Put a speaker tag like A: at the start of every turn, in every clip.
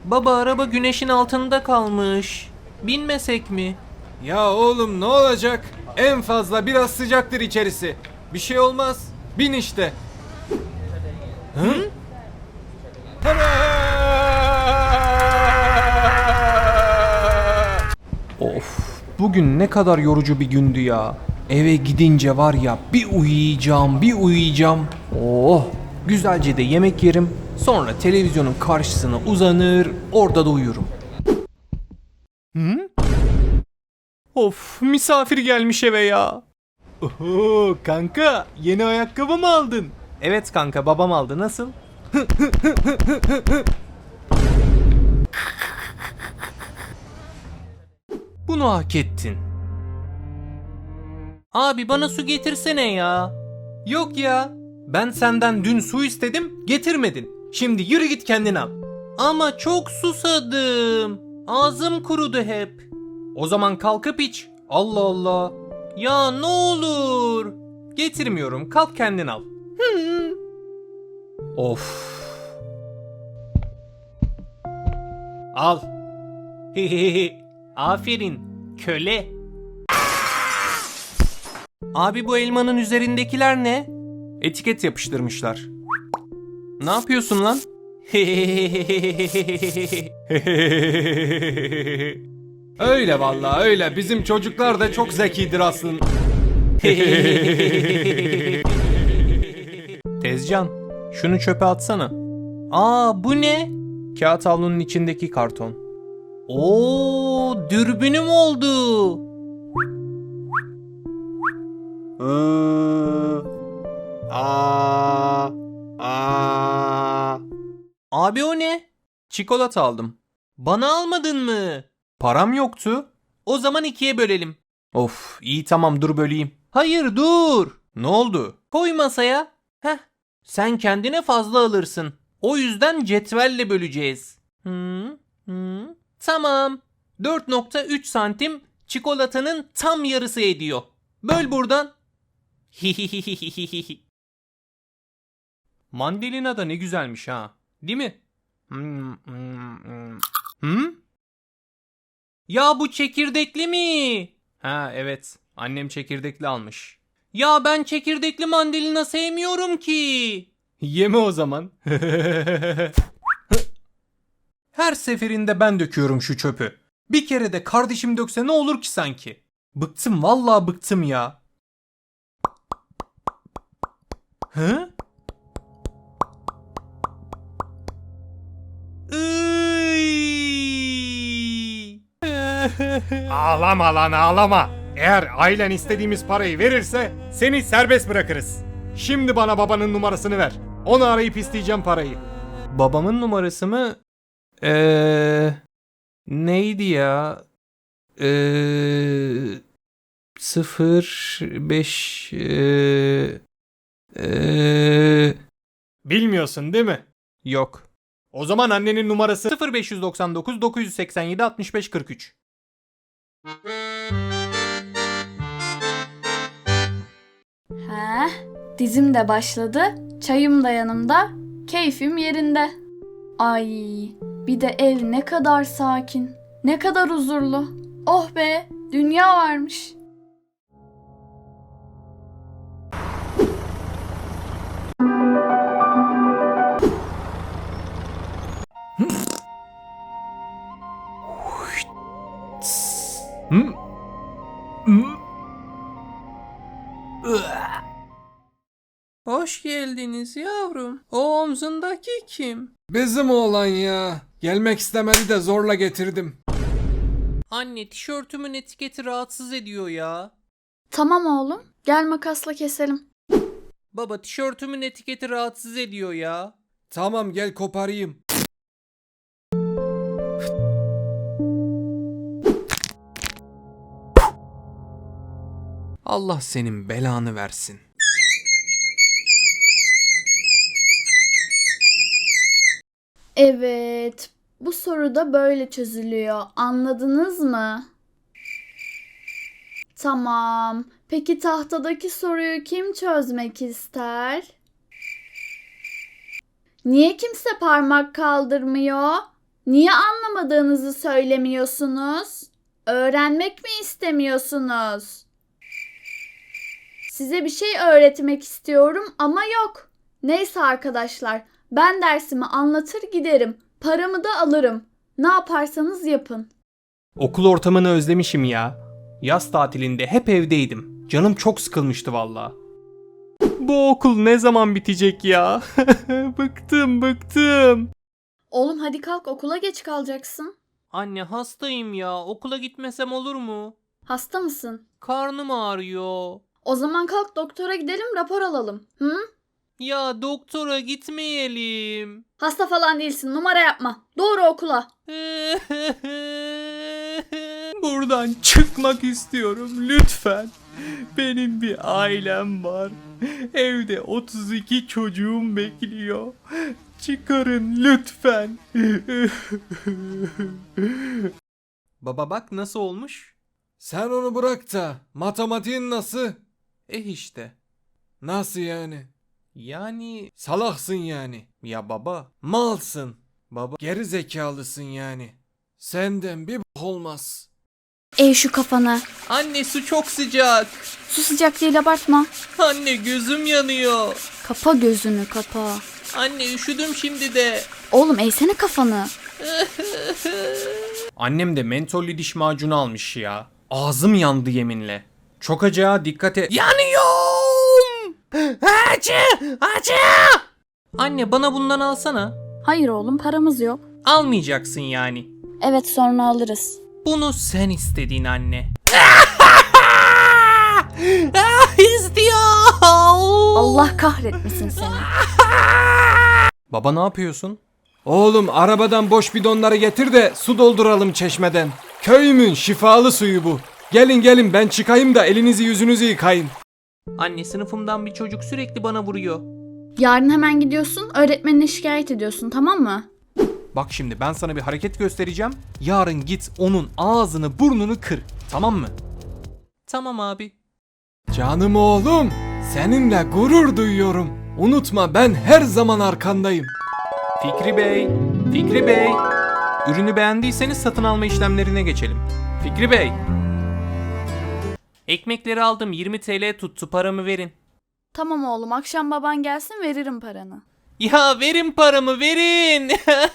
A: Baba araba güneşin altında kalmış. Binmesek mi?
B: Ya oğlum ne olacak? En fazla biraz sıcaktır içerisi. Bir şey olmaz. Bin işte. Hı? Of, bugün ne kadar yorucu bir gündü ya. Eve gidince var ya bir uyuyacağım. Oh, güzelce de yemek yerim. Sonra televizyonun karşısına uzanır, orada da uyurum. Hı? Of, misafir gelmiş eve ya. Oho, kanka yeni ayakkabı mı aldın? Evet kanka, babam aldı. Nasıl? Bunu hak ettin.
A: Abi bana su getirsene ya.
B: Yok ya. Ben senden dün su istedim, getirmedin. Şimdi yürü git kendin al.
A: Ama çok susadım. Ağzım kurudu hep.
B: O zaman kalkıp iç. Allah Allah.
A: Ya ne olur.
B: Getirmiyorum. Kalk kendin al. Of. Al.
A: Aferin köle. Abi bu elmanın üzerindekiler ne?
B: Etiket yapıştırmışlar. Ne yapıyorsun lan? Öyle vallahi öyle. Bizim çocuklar da çok zekidir aslında. Tezcan, şunu çöpe atsana.
A: Aa bu ne?
B: Kağıt havlunun içindeki karton.
A: Oo dürbünüm oldu. Abi o ne?
B: Çikolata aldım.
A: Bana almadın mı?
B: Param yoktu.
A: O zaman ikiye bölelim.
B: Of, iyi tamam dur böleyim.
A: Hayır dur.
B: Ne oldu?
A: Koy masaya. Heh. Sen kendine fazla alırsın. O yüzden cetvelle böleceğiz. Tamam. 4,3 santim çikolatanın tam yarısı ediyor. Böl buradan.
B: Mandalina da ne güzelmiş ha. Değil mi? Hı?
A: Ya bu çekirdekli mi?
B: Ha evet. Annem çekirdekli almış.
A: Ya ben çekirdekli mandalina sevmiyorum ki.
B: Yeme o zaman. Her seferinde ben döküyorum şu çöpü. Bir kere de kardeşim dökse ne olur ki sanki? Bıktım vallahi bıktım ya. Hı? Ağlama lan ağlama. Eğer ailen istediğimiz parayı verirse seni serbest bırakırız. Şimdi bana babanın numarasını ver. Onu arayıp isteyeceğim parayı. Babamın numarası mı? Neydi ya? 05 Bilmiyorsun değil mi? Yok. O zaman annenin numarası 0599 987 65 43.
C: He, dizim de başladı, çayım da yanımda, keyfim yerinde. Ay, bir de ev ne kadar sakin, ne kadar huzurlu. Oh be, dünya varmış.
A: Hoş geldiniz yavrum. O omzundaki kim?
B: Bizim oğlan ya. Gelmek istemedi de zorla getirdim.
A: Anne tişörtümün etiketi rahatsız ediyor ya.
C: Tamam oğlum, gel makasla keselim.
A: Baba tişörtümün etiketi rahatsız ediyor ya.
B: Tamam gel koparayım. Allah senin belanı versin.
C: Evet, bu soru da böyle çözülüyor. Anladınız mı? Tamam. Peki tahtadaki soruyu kim çözmek ister? Niye kimse parmak kaldırmıyor? Niye anlamadığınızı söylemiyorsunuz? Öğrenmek mi istemiyorsunuz? Size bir şey öğretmek istiyorum ama yok. Neyse arkadaşlar, ben dersimi anlatır giderim. Paramı da alırım. Ne yaparsanız yapın.
B: Okul ortamını özlemişim ya. Yaz tatilinde hep evdeydim. Canım çok sıkılmıştı valla. Bu okul ne zaman bitecek ya? Bıktım.
C: Oğlum hadi kalk, okula geç kalacaksın.
A: Anne hastayım ya. Okula gitmesem olur mu?
C: Hasta mısın?
A: Karnım ağrıyor.
C: O zaman kalk doktora gidelim, rapor alalım. Hı?
A: Ya doktora gitmeyelim.
C: Hasta falan değilsin, numara yapma. Doğru okula.
B: Buradan çıkmak istiyorum lütfen. Benim bir ailem var. Evde 32 çocuğum bekliyor. Çıkarın lütfen. Baba bak nasıl olmuş?
D: Sen onu bırak da matematiğin nasıl?
B: İşte.
D: Nasıl yani?
B: Yani
D: Salaksın yani.
B: ya baba.
D: Malsın.
B: Baba.
D: Geri zekalısın yani. Senden bir bok olmaz.
C: Ey şu kafana.
A: Anne su çok sıcak.
C: Su sıcak değil, abartma.
A: Anne gözüm yanıyor.
C: Kapa gözünü, kapa.
A: Anne üşüdüm şimdi de.
C: Oğlum eğsene kafanı.
B: Annem de mentollü diş macunu almış ya. Ağzım yandı yeminle. Çok acı, dikkat et.
A: Yanıyorum. Acı. Anne bana bundan alsana.
C: Hayır oğlum, paramız yok.
A: Almayacaksın yani.
C: Evet, sonra alırız.
A: Bunu sen istedin anne. İstiyor.
C: Allah kahretmesin seni.
B: Baba ne yapıyorsun?
D: Oğlum arabadan boş bidonları getir de su dolduralım çeşmeden. Köyümün şifalı suyu bu. Gelin ben çıkayım da elinizi yüzünüzü yıkayın.
A: Anne sınıfımdan bir çocuk sürekli bana vuruyor.
C: Yarın hemen gidiyorsun, öğretmenine şikayet ediyorsun, tamam mı?
B: Bak şimdi ben sana bir hareket göstereceğim. Yarın git onun ağzını burnunu kır. Tamam mı?
A: Tamam abi.
D: Canım oğlum, seninle gurur duyuyorum. Unutma ben her zaman arkandayım.
B: Fikri Bey. Ürünü beğendiyseniz satın alma işlemlerine geçelim. Fikri Bey.
A: Ekmekleri aldım 20 TL tuttu paramı verin.
C: Tamam oğlum, akşam baban gelsin, veririm paranı.
A: Ya verin paramı verin.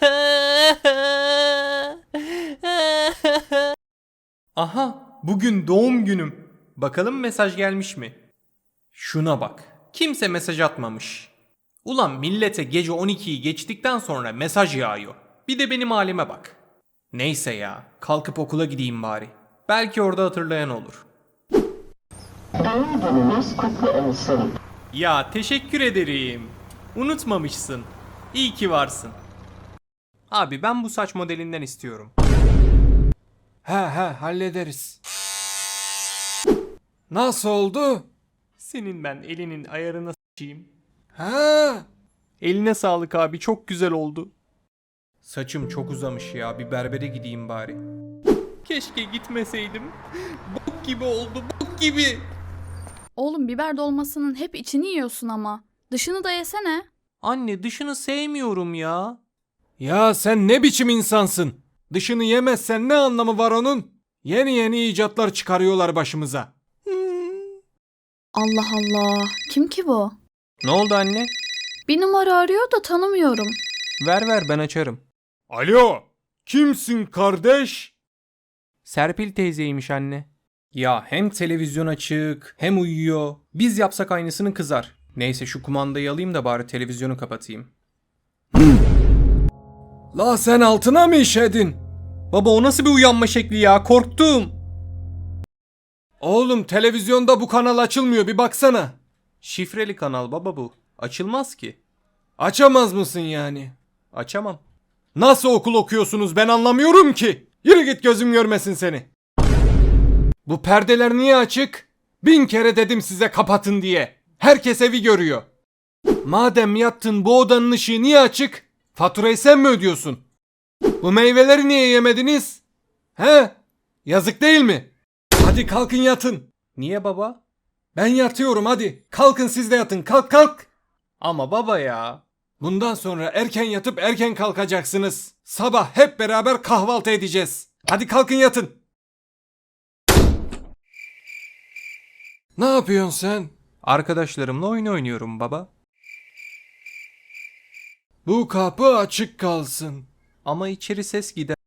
B: Aha, bugün doğum günüm. Bakalım mesaj gelmiş mi? Şuna bak. Kimse mesaj atmamış. Ulan millete gece 12'yi geçtikten sonra mesaj yağıyor. Bir de benim halime bak. Neyse ya, kalkıp okula gideyim bari. Belki orada hatırlayan olur.
E: Doğum gününüz kutlu olsun.
B: Ya teşekkür ederim. Unutmamışsın. İyi ki varsın. Abi ben bu saç modelinden istiyorum.
D: He hallederiz. Nasıl oldu?
B: Senin ben elinin ayarına s**eyim.
D: Ha?
B: Eline sağlık abi, çok güzel oldu. Saçım çok uzamış ya, bir berbere gideyim bari. Keşke gitmeseydim. Bok gibi oldu, bok gibi.
C: Oğlum biber dolmasının hep içini yiyorsun ama. Dışını da yesene.
A: Anne dışını sevmiyorum ya.
D: Ya sen ne biçim insansın? Dışını yemezsen ne anlamı var onun? Yeni icatlar çıkarıyorlar başımıza.
C: Allah Allah. Kim ki bu?
B: Ne oldu anne?
C: Bir numara arıyor da tanımıyorum.
B: Ver ben açarım.
D: Alo, kimsin kardeş?
B: Serpil teyzeymiş anne. Ya hem televizyon açık hem uyuyor. Biz yapsak aynısını kızar. Neyse şu kumandayı alayım da bari televizyonu kapatayım.
D: La sen altına mı işedin?
B: Baba o nasıl bir uyanma şekli ya, korktum.
D: Oğlum televizyonda bu kanal açılmıyor, bir baksana.
B: Şifreli kanal baba bu. Açılmaz ki.
D: Açamaz mısın yani?
B: Açamam.
D: Nasıl okul okuyorsunuz ben anlamıyorum ki. Yürü git, gözüm görmesin seni. Bu perdeler niye açık? 1000 kere dedim size kapatın diye. Herkes evi görüyor. Madem yattın, bu odanın ışığı niye açık? Faturayı sen mi ödüyorsun? Bu meyveleri niye yemediniz? He? Yazık değil mi? Hadi kalkın yatın.
B: Niye baba?
D: Ben yatıyorum hadi. Kalkın siz de yatın. Kalk.
B: Ama baba ya.
D: Bundan sonra erken yatıp erken kalkacaksınız. Sabah hep beraber kahvaltı edeceğiz. Hadi kalkın yatın. Ne yapıyorsun sen?
B: Arkadaşlarımla oyun oynuyorum baba.
D: Bu kapı açık kalsın.
B: Ama içeri ses gider.